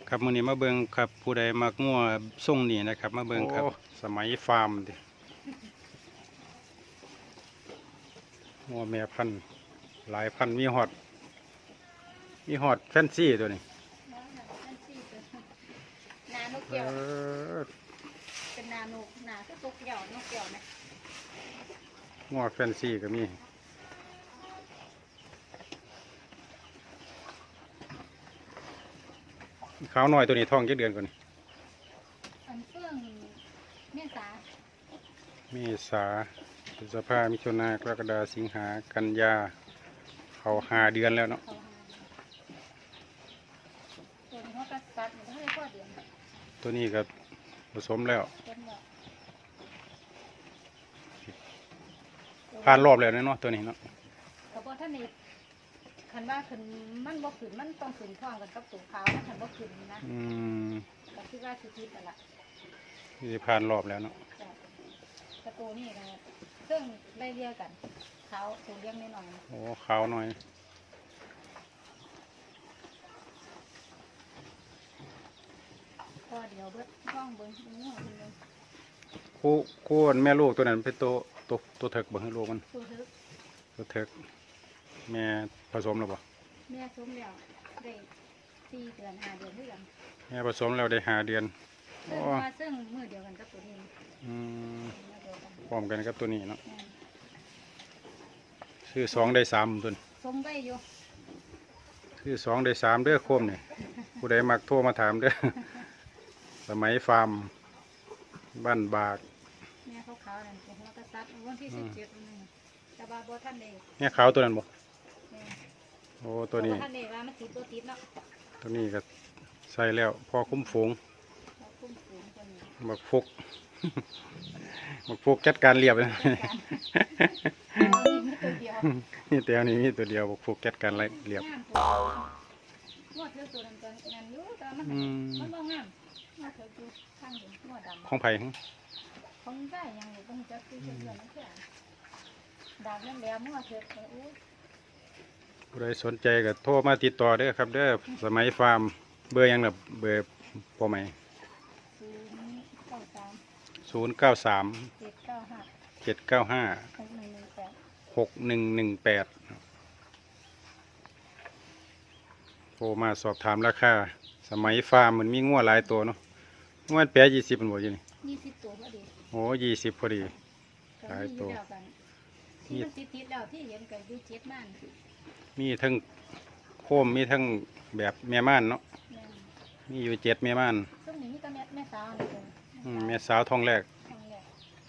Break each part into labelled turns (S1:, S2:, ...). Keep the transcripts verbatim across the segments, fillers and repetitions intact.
S1: ครับมื้อนี้มาเบิ่งครับผู้ใดมักงัวทรงนี่นะครับมาเบิ่งครับสมัยฟาร์มดิงัวแม่พันธุ์หลายพันธุ์มีฮอดมีฮอดแฟนซีตัวนี้
S2: นานก
S1: เอ
S2: เกี่ยว
S1: อ
S2: เป็นนานกนาคือตกเกี่ยวนกเกี่ยวนะ
S1: งัวแฟนซีก็มีขาวน้อยตัวนี้ท้องกี่เดือนก่อนนี่
S2: อันเฟื่องเมษา
S1: เมษาพฤษภามิถุนากรกฎาสิงหากันยาเขาห้าเดือนแล้วเนาะ
S2: เขาหาตัวนี้เขาก็ตัดอยู่ทั้งในข้อเดียว
S1: ตัวนี้ก็ผสมแล้ว
S2: เป็นแบบ
S1: ผ่านรอบแล้วเนาะตัวนี้เนาะ
S2: เขาบอกท่านนี่คันว่าขึ้นมันบ่ขึ้นมันต้องขึ้นท้องกันกับสูงขาวมันคันบ่ขึ้นนะ
S1: อืม
S2: ก็คิดว่าสิทิศนั่นแหละ
S1: นี่ผ่านรอบแล้วเนาะ
S2: แต่กระตูนี่นะซึ่งได้เรียกกันเขาสูงเลี้ยงนิดหน่อย
S1: โอ้ขาวหน่อย
S2: ข้อเดียวเบิดท้องเบิ้งเบิ้งเบิ้ง
S1: คู่คู่แม่ลูกตัวนั้นเป็นตัวตัวตัวเถิกบ่ให้ลูกมัน
S2: ตัวทึก
S1: ตัวเถิกแม่ผสมแล้วบ่
S2: แม่สมแล้วได้สี่เดือนห้าเดือนเท่ากัน
S1: แม่ผสมแล้วได้ห้าเดือน
S2: ซึ่ง
S1: โอ้
S2: ว่าซึ่งมือเดียวกันกับตัวนี้
S1: อืม
S2: มือเดียวกัน
S1: พร้อมกันกับตัวนี้เนาะ
S2: แม่
S1: ซื้อสองได้สามตัวนี้
S2: สมไว้อยู่
S1: ซื้อสองได้สามเด้อโคมนี่ผู้ใดมักโทรมาถามเด้อ สมัยฟาร์มบ้านบาก
S2: แม่เขาขาวนั่นเป็นหัวกระซัดวันที่สิบเจ็ดนึงแต่ว่าบ่ท่านได้
S1: แม่ขาวตัวนั้นบ่
S2: แม่
S1: โอ้ตัวนี้
S2: บ่ท่านได้ว่ามันติดตัวติดเนาะ
S1: ตัวนี้ก็ใส่แล้วพอคุ้มฝูง
S2: เราคุ้มฝูงตัวนี้
S1: บักฟุก บักฟุกจัดการเรียบเลย
S2: จัดการเอานี่ตัวเดียว
S1: นี่แต่อันนี้มีตัวเดียวบักฟุกจัดการเรียบ
S2: งามตัวงวดเลือกตัวนั้นตัวนั้นอยู่แต่มัน
S1: อืม
S2: มันบ่งามงวดเธออยู่ข้างเดียวงวดดำ
S1: ของไผ่
S2: ของได้ยังอยู่ต้องจับคือเพื่อนนั่นแค่ดาบนั่นแล้วงวดเธอโอ้ย
S1: ผู้ใดสนใจก็โทรมาติดต่อเด้อครับเด้อสมัยฟาร์มเบอร์หยังล่ะเบอร์พอไหม
S2: ศูนย์เก้าสาม
S1: ศูนย์เก้าสาม
S2: เจ็ดเก้าห้า
S1: เจ็ดเก้าห้า
S2: หกหนึ่งหนึ่งแปด
S1: หกหนึ่งหนึ่งแปดโทรมาสอบถามราคาสมัยฟาร์มมันมีงัวหลายตัวเนาะงัวแปดยี่สิบมันบ่อยู่นี่
S2: ยี่สิบตัวพอดี
S1: โอ้ยี่สิบพอดี
S2: ก็
S1: หลาย
S2: มี
S1: ตัว
S2: เดียวกันที่มันติดติดๆแล้วที่เห็นกันอยู่เจ็ดม่าน
S1: มีทั้งโคมมีทั้งแบบแม่ม่านเนาะ
S2: แม่น
S1: มีอยู่เจ็ดแม่ม่าน
S2: ซึ่งนี่มีแต่แม่แม่สาวนี่เลย
S1: อืมแม่สาวทองแรก
S2: ทองแรก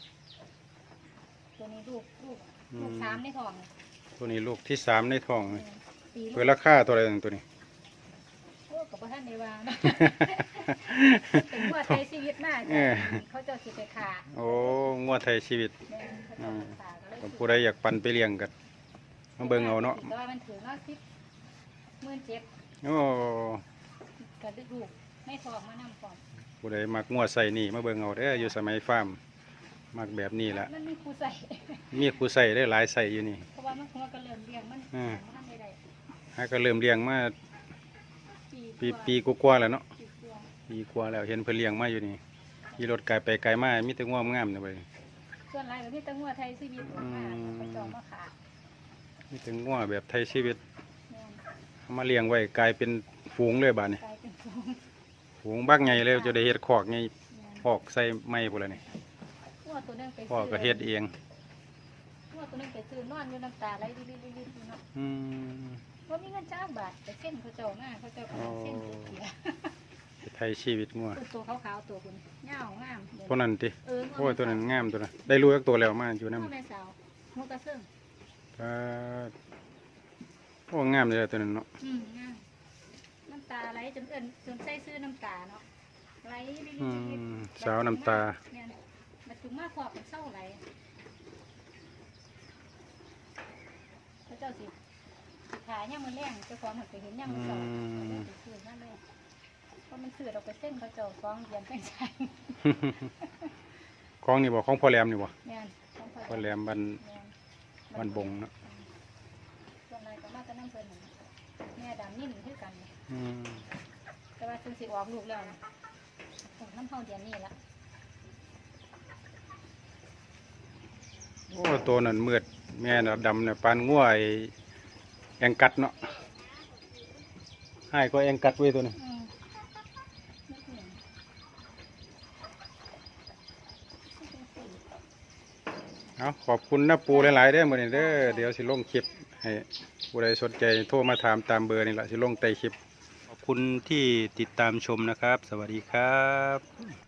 S2: ตัวนี้ลูกลูก
S1: อืม
S2: ลูกสามในท้อง
S1: ตัวนี้ลูกที่สามในท้อง
S2: แม่นปีลู
S1: เปิด
S2: ก
S1: ราคาตัวอะไรตัวนี้
S2: โอ้กับพ่ท่านในวานะเป็นหัวใจชีวิตมาก
S1: เออ
S2: เขาเจะสิไปขา
S1: โอ้งัวไทยชีวิต
S2: แม่นเขาเจะไปขาก็เลย
S1: ผมผู้ใดอยากปั่นไปเลี้ยงกันมาเบิ่งเอาเนาะ
S2: แต่ว่ามันถือว่าสิบหมื่นเจ็ด
S1: โอ้
S2: กับลูกไม่ฟอกมานำก่อน
S1: ผู้ใดมักงัวใส่นี่มาเบิ่งเอาเด้ออยู่สมัยฟาร์มมักแบบนี้แหละ
S2: มันมีครูใส่
S1: มีครูใส่ได้หลายใส่อยู่นี่
S2: เพราะว่ามันหัวก็เริ่มเลี้ยงมัน
S1: อืม
S2: มันไม่ได้
S1: ฮะก็เริ่มเลี้ยงมาปี
S2: กว่า
S1: ปีกว่าๆแล้วเนาะ
S2: ปีกว่า
S1: ปีกว่าแล้วเห็นเพิ่นเลี้ยงมาอยู่นี่ขี่รถไกลไปไกลมามีแต่งัวงามๆเนี่ยเว้ย
S2: ส่วนไรก็มีแต่หัวไทยชีวิตออกมา
S1: อืม
S2: เขาเจองมาขา
S1: มีแต่งัวแบบไทยชีวิต
S2: แม่น
S1: เอามาเลี้ยงไว้กลายเป็นฝูงเลยบาดนี้
S2: กลายเป็นฟอง
S1: ฝูงบักใหญ่เลยจะได้เฮ็ดคอกไง
S2: แม่น
S1: คอกใส่ไม้พุ่นละนี่
S2: หัวตัวนึงไป
S1: พ่อก็เฮ็ดเอง
S2: หัวตัวนึงไปซื้อนอนอยู่น้ำตาไหลริบๆๆๆเนาะ
S1: อืม
S2: ว่ามีเงินจ้างบาทแต่เส้นเขาเจ้ามาเขาเจ้าเอาเส้นเสีย
S1: ไทยชีวิตงัว
S2: ตัวขาวๆตัวคุณเงางามเดี๋ยว
S1: ตัวนั้นติ
S2: เออ
S1: โอ้ยตัวนั้นงามตัวนั้นได้รู้จักตัวแล้วมาอยู่นำ
S2: หัวแม่สาวหัวกระเซิง
S1: ก็โอ้งามเลยตัวนั้นเนาะ
S2: อืมงามน้ำตาไหลจนเอิ้นจนใส่ซื้อน้ำตาเนาะไหลริบ
S1: อื
S2: ๆ
S1: ม
S2: ๆ
S1: สาวน้ำตา
S2: เนี่ยมาถึงมาขอบเป็นเศร้าไหลพระเจ้าสิสิขายย่างมันแรงเจ้าของหันไปเห็นย่างมันเศร้าเขาเจ้าสิซื้อมาเลยเพราะมันซื้อเราไปเส้นเขาเจ้าฟ้องเรียนแป้งใส่
S1: ของนี่บ่ของพ่อแหลมนี่บ่
S2: เนี่ยของ
S1: พ่อแหลมบ้าน
S2: เนี่ย
S1: บ้านบงเนาะ
S2: ส่วนนายก็มาจะนั่งเพลินนั่นแม่ดำนิ่มคือกัน
S1: อืม
S2: แต่ว่าซึ่งสิออกลูกแล้วนะออกน้ำเท่าเดือนนี้ละ
S1: โอ้ตัวนั้นมืดแม่น่ะดำเนี่ยปานง่วไอ้แองกัดเนาะให้ก็แองกัดไว้ตัวนี้
S2: อืมไม่เปลี่ยน
S1: เอาขอบคุณนะปูหลายๆเด้อมื้อนี้เด้อเดี๋ยวสิลงคลิปให้ผู้ใดสนใจโทรมาถามตามเบอร์นี่ล่ะสิลงใต้คลิปขอบคุณที่ติดตามชมนะครับ สวัสดีครับ